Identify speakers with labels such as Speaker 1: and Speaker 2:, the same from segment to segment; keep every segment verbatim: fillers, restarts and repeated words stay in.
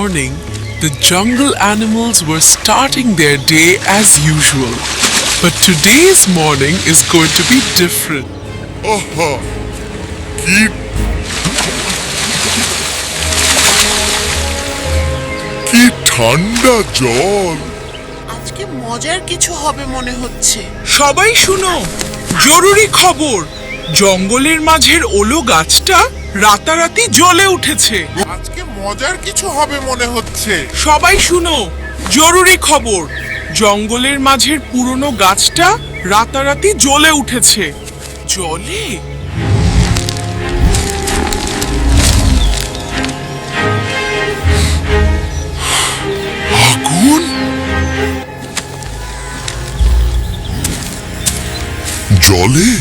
Speaker 1: morning, the jungle animals were starting their day as usual. But today's morning is going to be different.
Speaker 2: আহা কি কি ঠান্ডা জল।
Speaker 3: আজকে মজার কিছু হবে মনে হচ্ছে।
Speaker 4: সবাই শুনো, জরুরি খবর। জঙ্গলের মাঝের ওলো গাছটা রাতারাতি জ্বলে উঠেছে।
Speaker 2: আজকে মজার কিছু হবে মনে হচ্ছে।
Speaker 4: সবাই শুনো, জরুরি খবর। জঙ্গলের মাঝের পুরনো গাছটা রাতারাতি জ্বলে উঠেছে। জলে?
Speaker 2: আগুন? জলে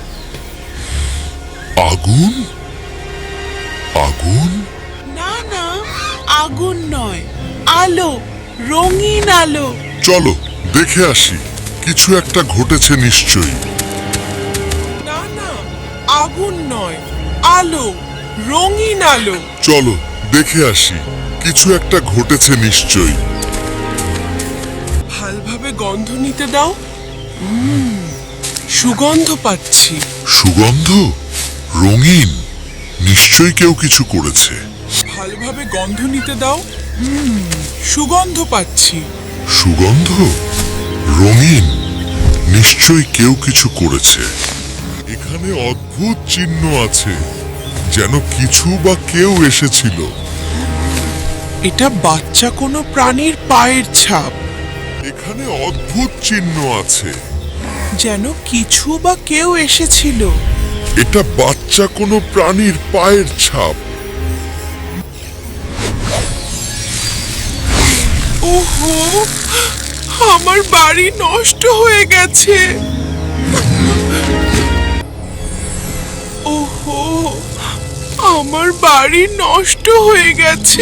Speaker 2: আগুন? আগুন?
Speaker 3: না না, আগুন নয়, আলো, রঙিন আলো।
Speaker 2: চলো দেখে আসি, কিছু একটা ঘটেছে নিশ্চয়ই।
Speaker 4: না না, আগুন নয়, আলো, রঙিন আলো।
Speaker 2: চলো দেখে আসি, কিছু একটা ঘটেছে নিশ্চয়ই।
Speaker 4: ভালভাবে গন্ধ নিতে দাও। উম, সুগন্ধ পাচ্ছি।
Speaker 2: সুগন্ধ? রঙিন? নিশ্চয়ই কেউ কিছু করেছে।
Speaker 4: ভালোভাবে গন্ধ নিতে দাও। হুম, সুগন্ধ পাচ্ছি।
Speaker 2: সুগন্ধ? রঙিন? নিশ্চয়ই কেউ কিছু করেছে। এখানে অদ্ভুত চিহ্ন আছে, যেন কিছু বা কেউ এসেছিল।
Speaker 4: এটা বাচ্চা কোনো প্রাণীর পায়ের ছাপ।
Speaker 2: এখানে অদ্ভুত চিহ্ন আছে,
Speaker 4: যেন কিছু বা কেউ এসেছিল।
Speaker 2: এটা বাচ্চা কোনো প্রাণীর পায়ের ছাপ।
Speaker 4: ওহো, আমার বাড়ি নষ্ট হয়ে গেছে। ওহো, আমার বাড়ি নষ্ট হয়ে গেছে।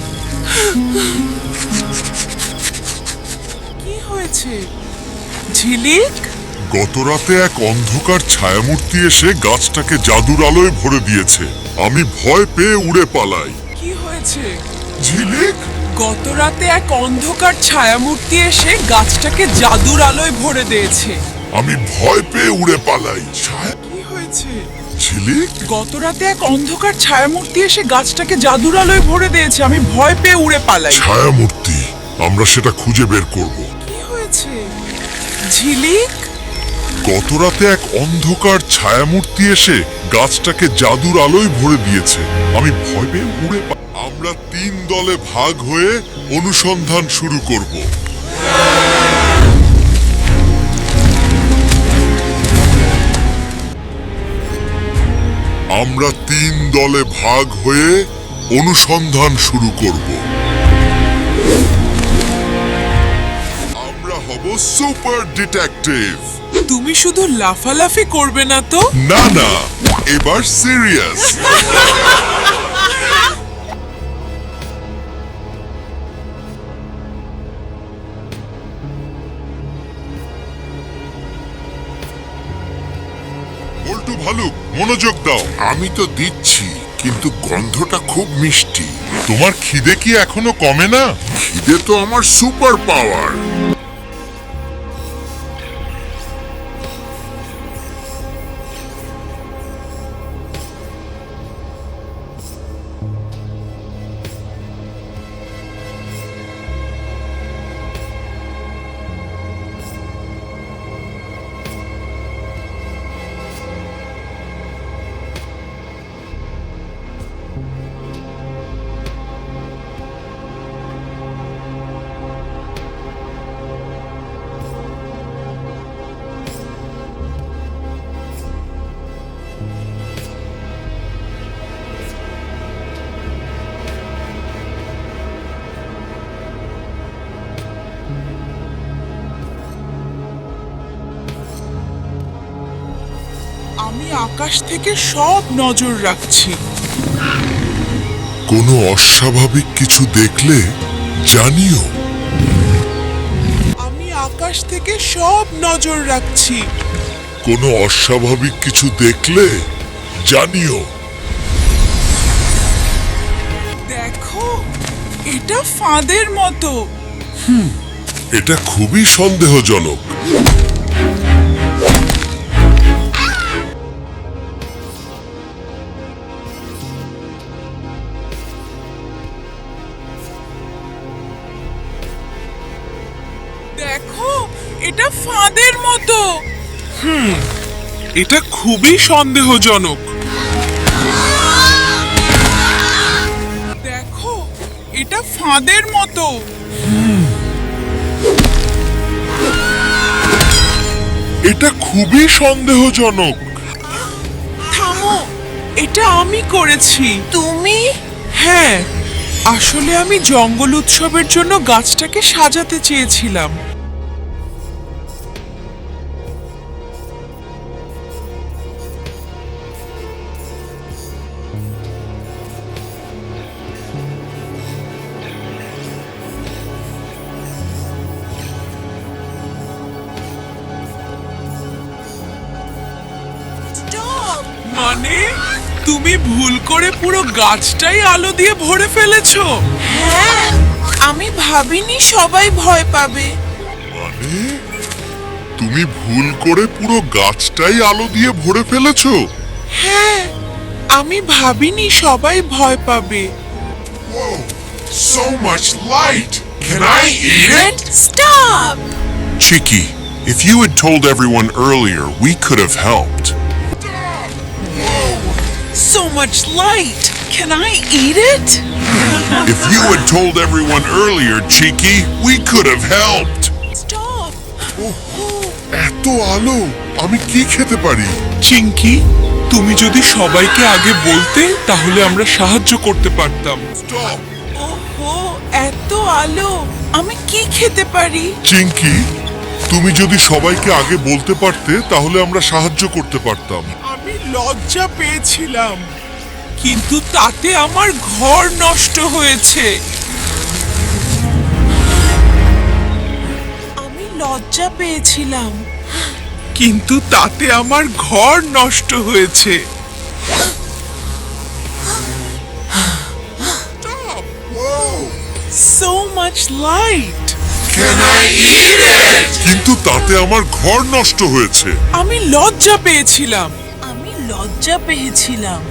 Speaker 4: কি হয়েছে ঝিলিক?
Speaker 2: গতরাতে এক অন্ধকার ছায়ামূর্তি এসে গাছটাকে জাদুর আলোয় ভরে দিয়েছে। আমি ভয় পেয়ে উড়ে পালাই।
Speaker 4: কি হয়েছে?
Speaker 2: ঝিলিক?
Speaker 4: গত রাতে এক অন্ধকার ছায়ামূর্তি এসে গাছটাকে জাদুর আলোয় ভরে দিয়েছে।
Speaker 2: আমি ভয় পেয়ে উড়ে পালাই। ছায়া?
Speaker 4: কি হয়েছে?
Speaker 2: ঝিলিক?
Speaker 4: গত রাতে এক অন্ধকার ছায়ামূর্তি এসে গাছটাকে জাদুর আলোয় ভরে দিয়েছে। আমি ভয় পেয়ে উড়ে পালাই।
Speaker 2: ছায়ামূর্তি? আমরা সেটা খুঁজে বের করব।
Speaker 4: কি হয়েছে ঝিলিক?
Speaker 2: গতরাতে এক অন্ধকার ছায়ামূর্তি এসে গাছটাকে জাদুর আলোয় ভরে দিয়েছে। আমি ভয় পেয়ে উড়ে পা- আমরা তিন দলে ভাগ হয়ে অনুসন্ধান শুরু করব। আমরা তিন দলে ভাগ হয়ে অনুসন্ধান শুরু করব। আমরা হব সুপার ডিটেকটিভ।
Speaker 4: তুমি শুধু লাফালাফি করবে না তো?
Speaker 2: না না, এবার সিরিয়াস। বল্টু ভালুক, মনোযোগ দাও। আমি তো দিচ্ছি, কিন্তু গন্ধটা খুব মিষ্টি। তোমার খিদে কি এখনো কমে না? খিদে তো আমার সুপার পাওয়ার।
Speaker 4: আমি আকাশ থেকে সব নজর রাখছি।
Speaker 2: কোনো অস্বাভাবিক কিছু দেখলে জানিও।
Speaker 4: আমি আকাশ থেকে সব নজর রাখছি।
Speaker 2: কোনো অস্বাভাবিক কিছু দেখলে জানিও।
Speaker 4: দেখো, এটা ফাঁদের মতো।
Speaker 2: এটা খুবই সন্দেহজনক।
Speaker 4: দেখো, এটা ফাঁদের মতো।
Speaker 1: এটা খুবই সন্দেহজনক।
Speaker 4: দেখো, এটা ফাঁদের মতো।
Speaker 2: এটা খুবই সন্দেহজনক।
Speaker 4: থামো, এটা আমি করেছি।
Speaker 3: তুমি
Speaker 4: হ্যাঁ, আসলে আমি জঙ্গল উৎসবের জন্য গাছটাকে সাজাতে চেয়েছিলাম।
Speaker 3: স্টপ।
Speaker 4: মানে তুমি ভুল করে পুরো গাছটাই আলো দিয়ে ভরে ফেলেছো?
Speaker 3: হ্যাঁ, আমি ভাবিনি সবাই ভয় পাবে।
Speaker 2: মানে তুমি ভুল করে পুরো গাছটাই আলো দিয়ে ভরে ফেলেছো?
Speaker 4: হ্যাঁ, আমি ভাবিনি সবাই ভয় পাবে।
Speaker 2: So much light. Can I eat it?
Speaker 3: Stop.
Speaker 2: Chicky, if you had told everyone earlier, we could have helped.
Speaker 3: So much light. Can I eat it?
Speaker 2: If you had told everyone earlier, Cheeky, we could have helped.
Speaker 3: Stop.
Speaker 2: এত আলো, আমি কি খেতে পারি?
Speaker 1: চিঙ্কি, তুমি যদি সবাইকে আগে বলতে তাহলে আমরা সাহায্য করতে পারতাম।
Speaker 2: Stop.
Speaker 3: ওহো, এত আলো, আমি কি খেতে পারি?
Speaker 2: চিঙ্কি, তুমি যদি সবাইকে আগে বলতে পারতে তাহলে আমরা সাহায্য করতে পারতাম।
Speaker 4: আমি লজ্জা পেয়েছিলাম, কিন্তু তাতে আমার ঘর নষ্ট হয়েছে।
Speaker 3: আমি লজ্জা পেয়েছিলাম,
Speaker 4: কিন্তু তাতে আমার ঘর নষ্ট হয়েছে। So much light.
Speaker 2: Can I eat it? কিন্তু তাতে আমার ঘর নষ্ট হয়েছে।
Speaker 4: আমি লজ্জা পেয়েছিলাম,
Speaker 3: আমি লজ্জা পেয়েছিলাম,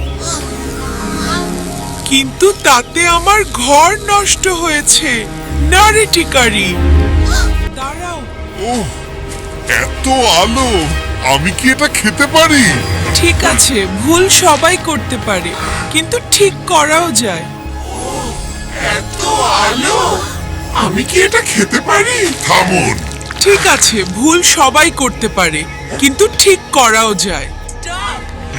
Speaker 4: কিন্তু তাতে আমার ঘর নষ্ট হয়েছে। নারী টিকারি, দাঁড়াও।
Speaker 2: ওহ, এত আলো, আমি কি এটা খেতে পারি?
Speaker 4: ঠিক আছে, ভুল সবাই করতে পারে, কিন্তু ঠিক করাও যায়।
Speaker 2: এত আলো, আমি কি এটা খেতে পারি? থামুন।
Speaker 4: ঠিক আছে, ভুল সবাই করতে পারে, কিন্তু ঠিক করাও যায়।
Speaker 3: Stop.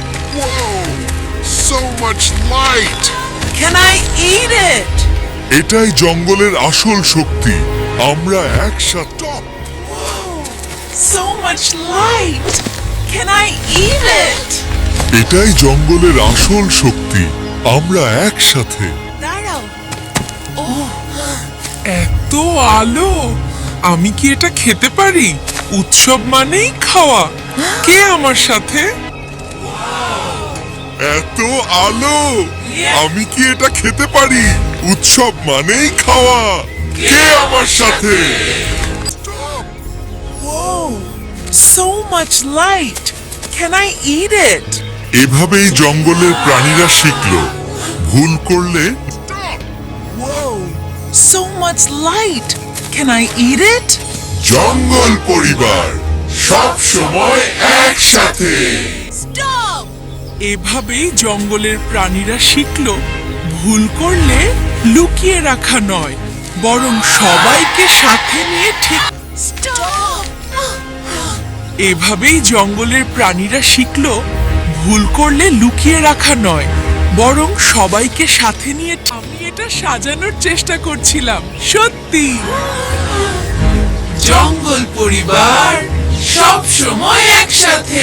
Speaker 2: So much light.
Speaker 3: Can I eat it?
Speaker 2: এটাই জঙ্গলের আসল শক্তি। আমরা একসাথে।
Speaker 3: So much light. Can I eat it?
Speaker 2: এটাই জঙ্গলের আসল শক্তি। আমরা একসাথে।
Speaker 3: দাঁড়াও।
Speaker 4: এত আলো, আমি কি এটা খেতে পারি? উৎসব মানেই খাওয়া। কে আমার সাথে?
Speaker 2: এত আলো, আমি কি এটা খেতে পারি? উৎসব মানেই খাওয়া। কে আমার সাথে?
Speaker 3: Whoa. So much light. Can I eat it?
Speaker 2: এভাবেই জঙ্গলের প্রাণীরা শিখলো, ভুল করলে
Speaker 3: Whoa. So much light. Can I eat it?
Speaker 2: জঙ্গল পরিবার সব সময় একসাথে।
Speaker 3: Stop.
Speaker 4: এভাবেই জঙ্গলের প্রাণীরা শিখলো, ভুল করলে লুকিয়ে রাখা নয়, বরং সবাইকে সাথে নিয়ে ঠিক।
Speaker 3: Stop.
Speaker 4: এভাবেই জঙ্গলের প্রাণীরা শিখলো, ভুল করলে লুকিয়ে রাখা নয়, বরং সবাইকে সাথে নিয়ে। আমি এটা সাজানোর চেষ্টা করছিলাম, সত্যি। জঙ্গল পরিবার সব সময় একসাথে।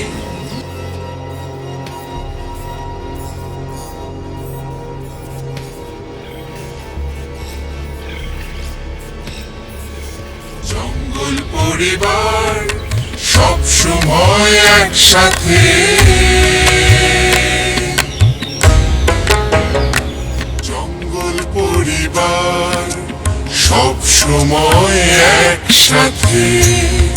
Speaker 2: জঙ্গল পরিবার সব সময় একসাথে। জঙ্গল পরিবার। পরিবার সব সময় একসাথে।